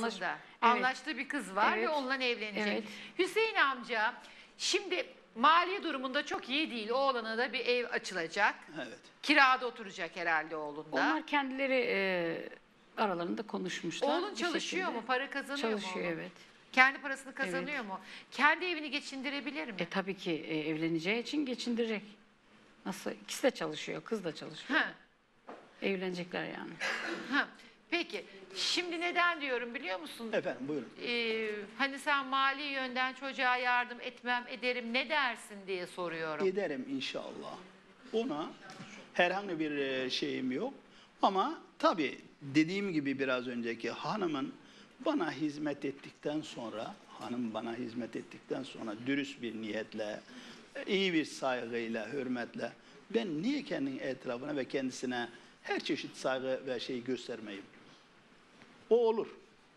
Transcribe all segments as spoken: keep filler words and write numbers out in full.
Anlaş- evet. Anlaştığı bir kız var Evet. ve onunla evlenecek. Evet. Hüseyin amca şimdi mali durumunda çok iyi değil. Oğlana da bir ev açılacak. Evet. Kirada oturacak herhalde oğlunda. Onlar kendileri e, aralarında konuşmuşlar. Oğlun bir çalışıyor şekilde. mu? Para kazanıyor mu Çalışıyor, oğlun? evet. Kendi parasını kazanıyor mu? Kendi evini geçindirebilir mi? E tabii ki e, evleneceği için geçindirecek. Nasıl? İkisi de çalışıyor, kız da çalışıyor. Ha. Evlenecekler yani. Ha. Peki şimdi neden diyorum biliyor musun? Efendim buyurun. Ee, hani sen mali yönden çocuğa yardım etmem ederim ne dersin diye soruyorum. Ederim inşallah. Ona herhangi bir e, şeyim yok. Ama tabii dediğim gibi biraz önceki hanımın bana hizmet ettikten sonra, hanım bana hizmet ettikten sonra dürüst bir niyetle, iyi bir saygıyla, hürmetle ben niye kendi etrafına ve kendisine her çeşit saygı ve şey göstermeyeyim? O olur.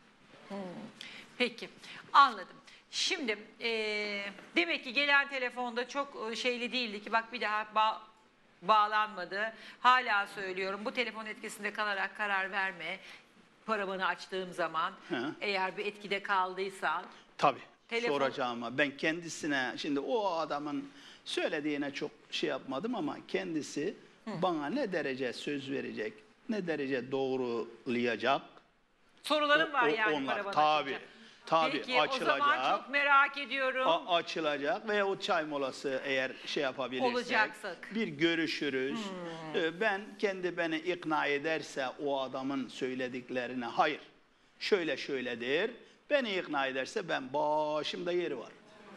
Peki anladım. Şimdi eee, demek ki gelen telefonda çok e, şeyli değildi ki bak bir daha ba- bağlanmadı. Hala söylüyorum bu telefon etkisinde kalarak karar verme. Paravanı açtığım zaman Hı. eğer bir etkide kaldıysan. Tabii Telefon- soracağıma ben kendisine şimdi o adamın söylediğine çok şey yapmadım ama kendisi bana ne derece söz verecek, ne derece doğrulayacak. Sorularım O- var o- yani onlar, paravanı tabii, açınca. tabii, Peki açılacak. o zaman çok merak ediyorum. A- açılacak veya o çay molası eğer şey yapabilirsek Olacaksak. bir görüşürüz. Ee, Ben kendi beni ikna ederse o adamın söylediklerine hayır şöyle şöyledir. Beni ikna ederse ben başımda yeri var.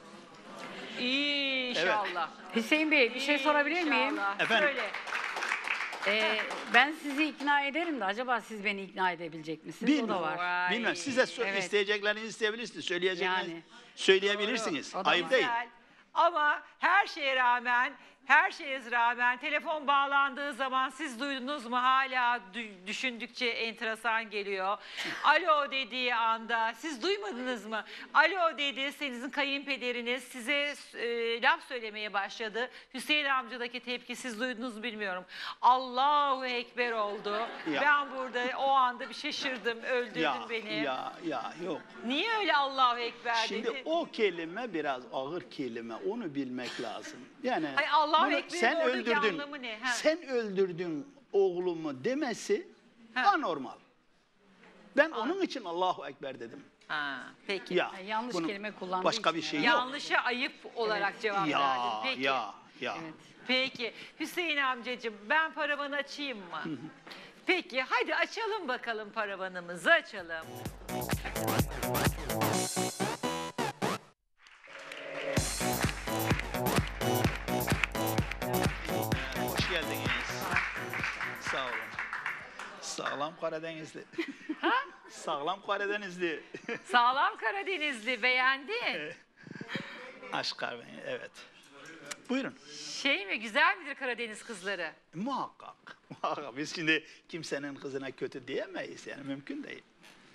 İnşallah. Hüseyin Bey bir şey sorabilir miyim? İnşallah. Efendim? Söyle. E, ben sizi ikna ederim de acaba siz beni ikna edebilecek misiniz? O da Bilmiyorum. var. Vay. Bilmem siz de sö- Evet. isteyeceklerinizi isteyebilirsiniz. Söyleyeceklerinizi Yani. söyleyebilirsiniz. Doğru. O da Ayıp var. değil. Güzel. Ama her şeye rağmen, her şeye rağmen telefon bağlandığı zaman siz duydunuz mu? Hala dü- düşündükçe enteresan geliyor. Alo dediği anda siz duymadınız mı? Alo dedi, sizin kayınpederiniz size e, laf söylemeye başladı. Hüseyin amcadaki tepki siz duydunuz mu bilmiyorum. Allahu Ekber oldu. Ya. Ben burada o anda bir şaşırdım, öldürdün Ya, beni. ya, ya yok. Niye öyle Allahu Ekber Şimdi dedi? o kelime biraz ağır kelime. Onu bilmek lazım. Yani Hayır, Allahu bunu Ekber'in sen oradaki öldürdün. anlamı ne? Ha. Sen öldürdün oğlumu demesi Ha. anormal. Ben onun için Allahu Ekber dedim. Ha, peki. Ya, Yani yanlış bunun kelime kullandığı başka için bir şey herhalde. yok. Yanlışa ayıp olarak cevap verdin. Ya, Peki. ya, ya. Evet. Peki. Hüseyin amcacığım ben paravanı açayım mı? Peki hadi açalım bakalım paravanımızı açalım. Hoş geldiniz. Sağ olun. Sağlam Karadenizli. Sağlam Karadenizli. Sağlam Karadenizli beğendin. Aşk kahveni, evet. Buyurun. Şey mi güzel midir Karadeniz kızları? Muhakkak. Muhakkak. Biz şimdi kimsenin kızına kötü diyemeyiz. Yani mümkün değil.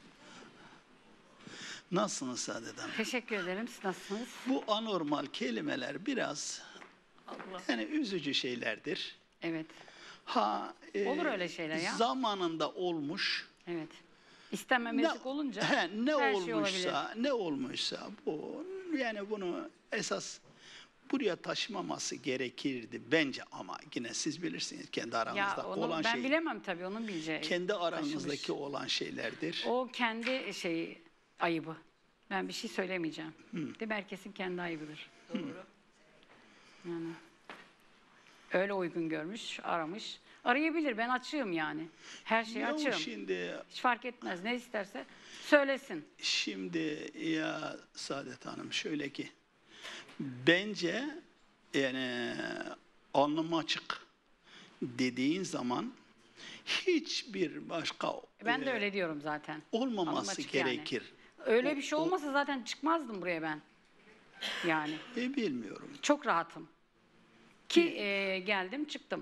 Nasılsınız Saadet Hanım? Teşekkür ederim. Siz nasılsınız? Bu anormal kelimeler biraz Allah. yani üzücü şeylerdir. Evet. Ha, e, Olur öyle şeyler ya. Zamanında olmuş. Evet. İstenmemezlik olunca he, ne her şey olmuşsa, olabilir. ne olmuşsa bu yani bunu esas buraya taşımaması gerekirdi bence ama yine siz bilirsiniz kendi aranızda Ya onu olan ben şey. bilemem tabii onun bileceği. Kendi aranızdaki taşımış. olan şeylerdir. O kendi şeyi ayıbı. Ben bir şey söylemeyeceğim. Değil mi? Herkesin kendi ayıbıdır. Doğru. Yani öyle uygun görmüş, aramış. Arayabilir. Ben açığım yani. Her şeyi Ya açığım. şimdi Hiç fark etmez. Ne isterse söylesin. Şimdi ya Saadet Hanım şöyle ki bence yani alnım açık dediğin zaman hiçbir başka Ben de e, öyle diyorum zaten. Alnım olmaması açık yani. gerekir. Öyle O- bir şey o- olmasa zaten çıkmazdım buraya ben. Yani E, bilmiyorum. çok rahatım. Ki e, geldim çıktım.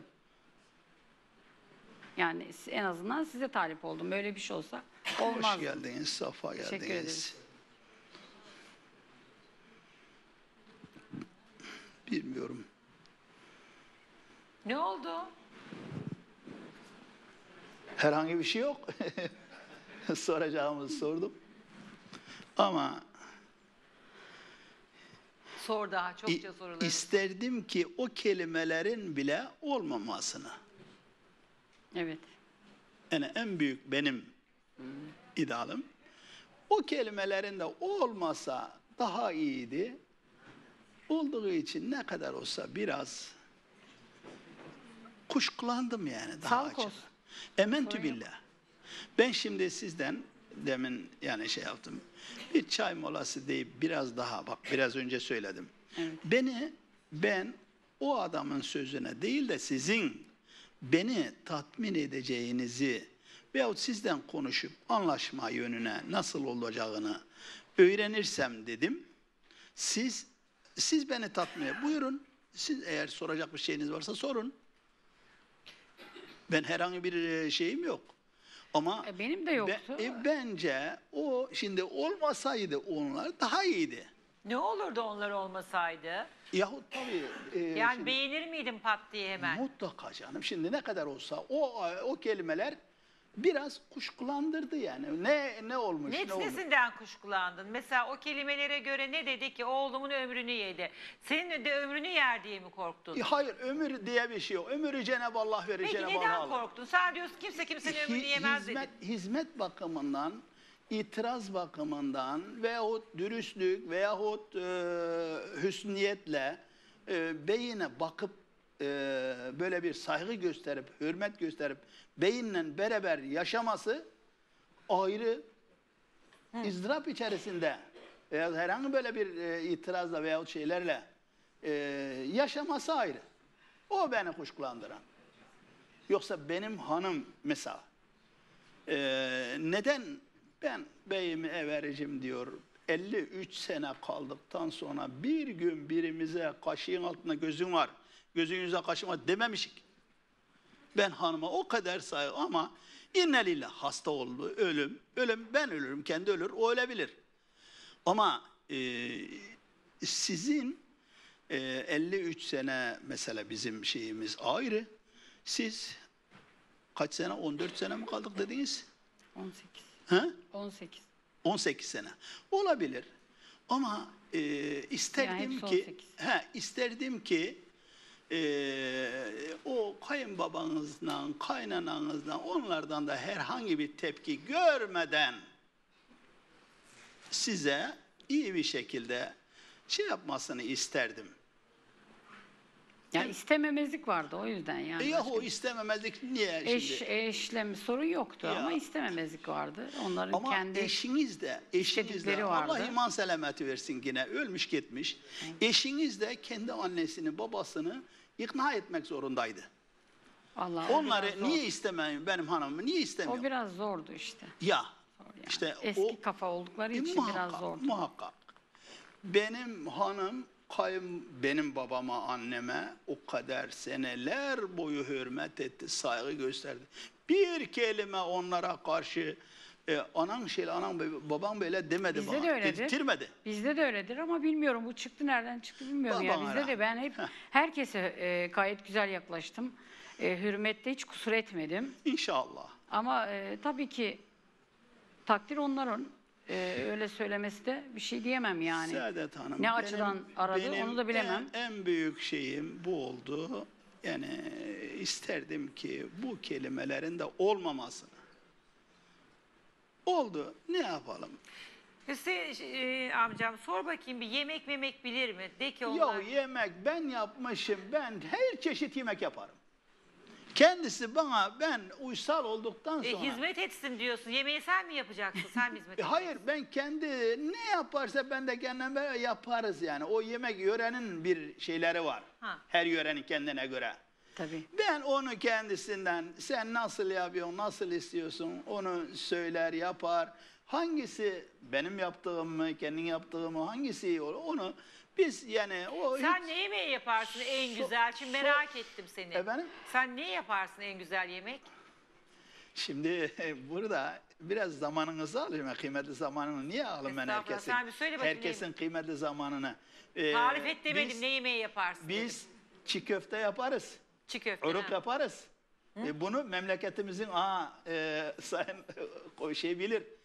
Yani en azından size talip oldum. Böyle bir şey olsa olmaz. Hoş geldiniz, safa Teşekkür geldiniz. ederiz. Bilmiyorum. Ne oldu? Herhangi bir şey yok. Soracağımızı sordum. Ama Sor daha i- çokça soruları. isterdim ki o kelimelerin bile olmamasını. Evet. Yani en büyük benim idealım. O kelimelerin de olmasa daha iyiydi. Olduğu için ne kadar olsa biraz kuşkulandım yani daha Sağlık açık. olsun. Ementü Sorun yok. billah. Ben şimdi sizden demin yani şey yaptım. Bir çay molası deyip biraz daha bak biraz önce söyledim. Evet. Beni ben o adamın sözüne değil de sizin beni tatmin edeceğinizi veyahut sizden konuşup anlaşma yönüne nasıl olacağını öğrenirsem dedim. Siz siz beni tatmin edin. Buyurun. Siz eğer soracak bir şeyiniz varsa sorun. Ben herhangi bir e, şeyim yok. Ama E, benim de yoktu. be- e, bence o şimdi olmasaydı onlar daha iyiydi. Ne olurdu onlar olmasaydı? Yahut tabii e, Yani şimdi- beğenir miydin pat diye hemen? mutlaka canım. Şimdi ne kadar olsa o o kelimeler biraz kuşkulandırdı yani. Ne ne olmuş Ne, ne olmuş. nesinden kuşkulandın? Mesela o kelimelere göre ne dedi ki oğlumun ömrünü yedi. Senin de ömrünü yer diye mi korktun? E, Hayır ömür diye bir şey yok. Ömürü Cenab-ı Allah verir. Peki Cenab-ı neden Allah alır. korktun? Sen diyorsun kimse kimsenin ömrünü Hi- yemez hizmet, dedin. hizmet bakımından, itiraz bakımından veyahut dürüstlük veyahut e, hüsniyetle e, beyine bakıp e, böyle bir saygı gösterip, hürmet gösterip beyinle beraber yaşaması ayrı ızdırap içerisinde veya herhangi böyle bir e, itirazla veyahut şeylerle e, yaşaması ayrı. O beni kuşkulandıran. Yoksa benim hanım mesela ee, neden ben beyimi evericim diyor elli üç sene kaldıktan sonra bir gün birimize kaşığın altında gözün var, gözünüze kaşığın var dememişik. Ben hanıma o kadar saygı ama innelillah hasta oldu, ölüm, ölüm ben ölürüm, kendi ölür, o ölebilir. Ama e, sizin e, elli üç sene mesela bizim şeyimiz ayrı. Siz kaç sene? on dört sene mi kaldık dediniz? on sekiz. Ha? on sekiz. on sekiz sene. Olabilir. Ama e, isterdim hepsi ki on sekiz. he, isterdim ki e, o kayınbabanızdan, kaynananızdan onlardan da herhangi bir tepki görmeden size iyi bir şekilde şey yapmasını isterdim. Yani istememezlik vardı o yüzden yani. E yahu Başka- istememezlik niye Eş, şimdi? eşle mi sorun yoktu Ya. ama istememezlik vardı. Onların Ama kendi eşiniz de, eşiniz de istedikleri Allah vardı. iman selameti versin yine ölmüş gitmiş. Eşiniz de kendi annesini, babasını ikna etmek zorundaydı. Allah o biraz Onları zor. niye istemeyin benim hanımımı niye istemiyor? O biraz zordu işte. Ya Zor yani. işte Eski o kafa oldukları E, için biraz muhakkak, zordu. muhakkak. Benim hanım kayın benim babama, anneme o kadar seneler boyu hürmet etti, saygı gösterdi. Bir kelime onlara karşı e, anan şey, anan babam böyle demedi Bizde bana. de öyledir. Dedirtmedi. Bizde de öyledir ama bilmiyorum bu çıktı nereden çıktı bilmiyorum ya. Babana Bizde de ben hep Heh. herkese e, gayet güzel yaklaştım. E, hürmette hiç kusur etmedim. İnşallah. Ama e, tabii ki takdir onların. E, öyle söylemesi de bir şey diyemem yani. Saadet Hanım. Ne açıdan aradı onu da bilemem. En, en büyük şeyim bu oldu. Yani isterdim ki bu kelimelerin de olmamasını. Oldu. Ne yapalım? Hüseyin e, amcam sor bakayım bir yemek memek bilir mi? De ki onlar... Ya yemek ben yapmışım. Ben her çeşit yemek yaparım. Kendisi bana ben uysal olduktan E, sonra. hizmet etsin diyorsun. Yemeği sen mi yapacaksın? Sen mi hizmet E, edeceksin? Hayır ben kendi ne yaparsa ben de kendim böyle yaparız yani. O yemek yörenin bir şeyleri var. Ha. Her yörenin kendine göre. Tabii. Ben onu kendisinden sen nasıl yapıyorsun, nasıl istiyorsun onu söyler, yapar. Hangisi benim yaptığım mı, kendin yaptığım mı, hangisi iyi olur onu biz yani o Sen hiç- ne yemeği yaparsın en So- güzel? Şimdi so- merak ettim seni. Efendim? Sen ne yaparsın en güzel yemek? Şimdi burada biraz zamanınızı alayım. Kıymetli zamanını niye alayım ben Estağfurullah, herkesin? sen bir söyle bakayım Herkesin kıymetli zamanını. Ee, Tarif et demedim biz- ne yemeği yaparsın dedim. Biz çiğ köfte yaparız. Çiğ köfte. Uruk ha. yaparız. E, bunu memleketimizin aa, e, sayın o şey bilir.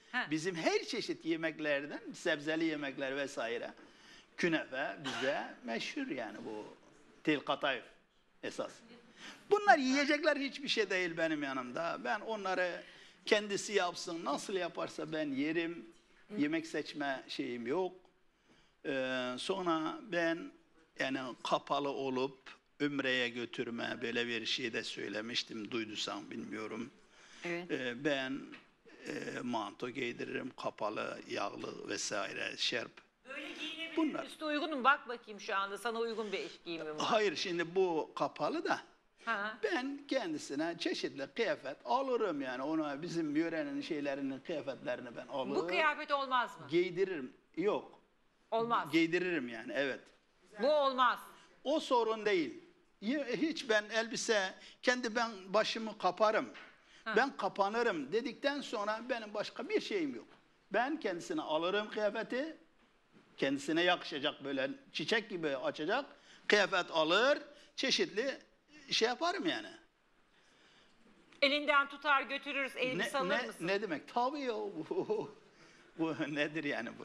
He. Bizim her çeşit yemeklerden, sebzeli yemekler vesaire, künefe bize meşhur yani bu tel katayf esas. Bunlar yiyecekler hiçbir şey değil benim yanımda. Ben onları kendisi yapsın, nasıl yaparsa ben yerim. Yemek seçme şeyim yok. Ee, sonra ben yani kapalı olup Ümre'ye götürme böyle bir şey de söylemiştim, duydusam bilmiyorum. Evet. Ee, ben e, manto giydiririm, kapalı, yağlı vesaire, şerp. Böyle giyinebilir. Bunlar. Üstü uygun mu? Bak bakayım şu anda sana uygun bir eş giyimi mi var? Hayır, şimdi bu kapalı da Ha. ben kendisine çeşitli kıyafet alırım yani. Ona bizim yörenin şeylerinin kıyafetlerini ben alırım. Bu kıyafet olmaz mı? Giydiririm. Yok. Olmaz. Giydiririm yani, evet. Bu olmaz. O sorun değil. Ye- Hiç ben elbise, kendi ben başımı kaparım. Ben kapanırım dedikten sonra benim başka bir şeyim yok. Ben kendisine alırım kıyafeti. Kendisine yakışacak böyle çiçek gibi açacak. Kıyafet alır. Çeşitli şey yaparım yani. Elinden tutar götürürüz, elbise Ne, alır ne, mısın? ne demek? Tabii ya. Bu, bu nedir yani bu?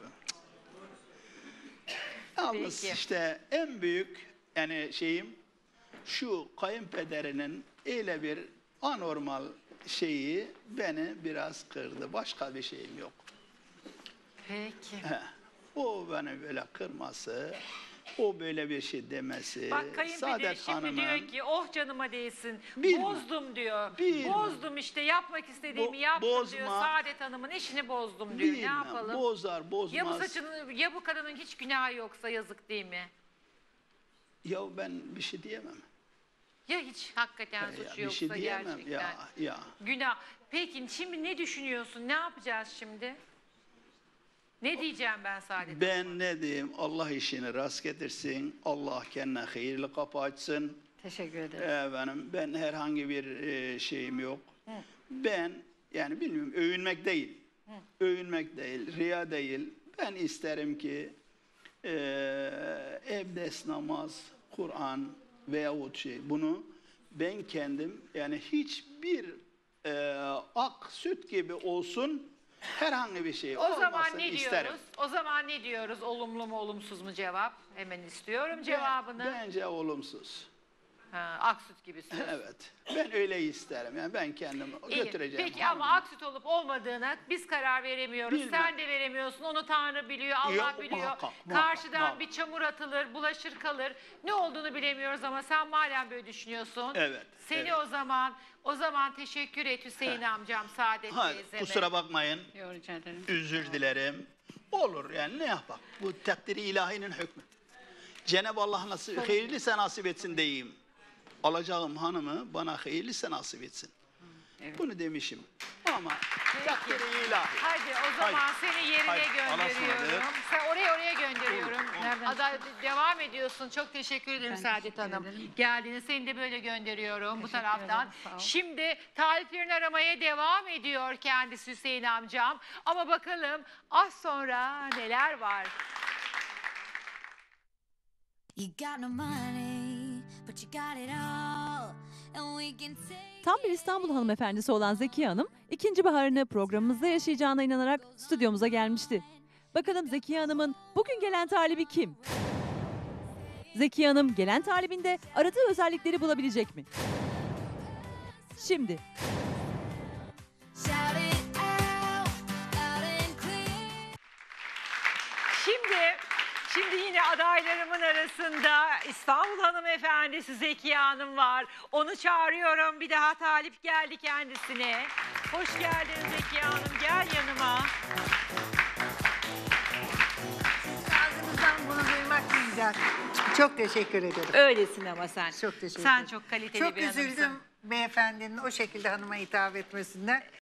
Yalnız Peki. işte en büyük yani şeyim şu, kayınpederinin öyle bir anormal şeyi beni biraz kırdı. Başka bir şeyim yok. Peki. He. O beni böyle kırması, o böyle bir şey demesi, Bak kayınpeder Saadet şimdi Hanım'ın diyor ki oh canıma değsin. Bilmem. Bozdum diyor. Bilmem. Bozdum işte yapmak istediğimi Bo- yaptım bozma. diyor. Saadet Hanım'ın işini bozdum diyor. Ne bilmem, yapalım? bozar bozmaz. Ya bu saçını ya bu kadının hiç günahı yoksa yazık değil mi? Ya ben bir şey diyemem. Ya hiç hakikaten Ya, suçu bir yoksa şey diyemem. gerçekten. Ya, ya. Günah. Peki şimdi ne düşünüyorsun? Ne yapacağız şimdi? Ne diyeceğim ben Saadet? Ben ne diyeyim? Allah işini rast getirsin. Allah kendine hayırlı kapı açsın. Teşekkür ederim. Efendim, ben herhangi bir e, şeyim yok. Ben yani bilmiyorum, övünmek değil. Övünmek değil, riya değil. Ben isterim ki e, ebdes namaz, Kur'an veyahut şey bunu ben kendim yani hiçbir e, ak süt gibi olsun, herhangi bir şey O zaman olmasın ne isterim. diyoruz? O zaman ne diyoruz? Olumlu mu olumsuz mu cevap? Hemen istiyorum cevabını. Ben- bence olumsuz. Ha, aksüt gibisin. Evet. Ben öyle isterim. Yani ben kendim İyi. götüreceğim. Peki ama aksüt olup olmadığına biz karar veremiyoruz. Bilmem. Sen de veremiyorsun. Onu Tanrı biliyor, Allah Yok, biliyor. muhakkak, muhakkak, Karşıdan muhakkak. bir çamur atılır, bulaşır kalır. Ne olduğunu bilemiyoruz ama sen madem böyle düşünüyorsun. Evet, Seni evet. o zaman o zaman teşekkür et Hüseyin amcam, Saadet Ha, teyzeme. kusura bakmayın. Yok, rica ederim. Özür dilerim. Olur yani, ne yapak? Bu takdiri ilahinin hükmü. Cenab-ı Allah nasip, hayırlısı nasip etsin diyeyim. Alacağım hanımı bana hayırlısı nasip etsin. Evet. Bunu demişim. Ama takdiri ilahi. Hadi o zaman Haydi. seni yerine Haydi, Allah'a gönderiyorum. ısmarladık. Sen oraya oraya gönderiyorum. Nereden Ada, devam ediyorsun. Çok teşekkür ederim Ben Saadet teşekkür Hanım. ederim. Geldiğini seni de böyle gönderiyorum bu Teşekkür taraftan. ederim, sağ ol. Şimdi tariflerini aramaya devam ediyor kendisi Hüseyin amcam. Ama bakalım az sonra neler var? You got no money, but you got it all, and we can take Tam bir İstanbul hanımefendisi olan Zekiye Hanım, ikinci baharını programımızda yaşayacağına inanarak stüdyomuza gelmişti. Bakalım Zekiye Hanım'ın bugün gelen talibi kim? Zekiye Hanım gelen talibinde aradığı özellikleri bulabilecek mi? Şimdi shout it out, loud and clear. Şimdi Şimdi yine adaylarımın arasında İstanbul hanımefendisi Zekiye Hanım var. Onu çağırıyorum. Bir daha talip geldi kendisine. Hoş geldin Zekiye Hanım. Gel yanıma. Ağzınızdan bunu duymak ne güzel. Çok teşekkür ederim. Öylesin ama sen. Çok teşekkür Sen ederim. çok kaliteli Çok bir hanımsın. üzüldüm beyefendinin o şekilde hanıma hitap etmesinden.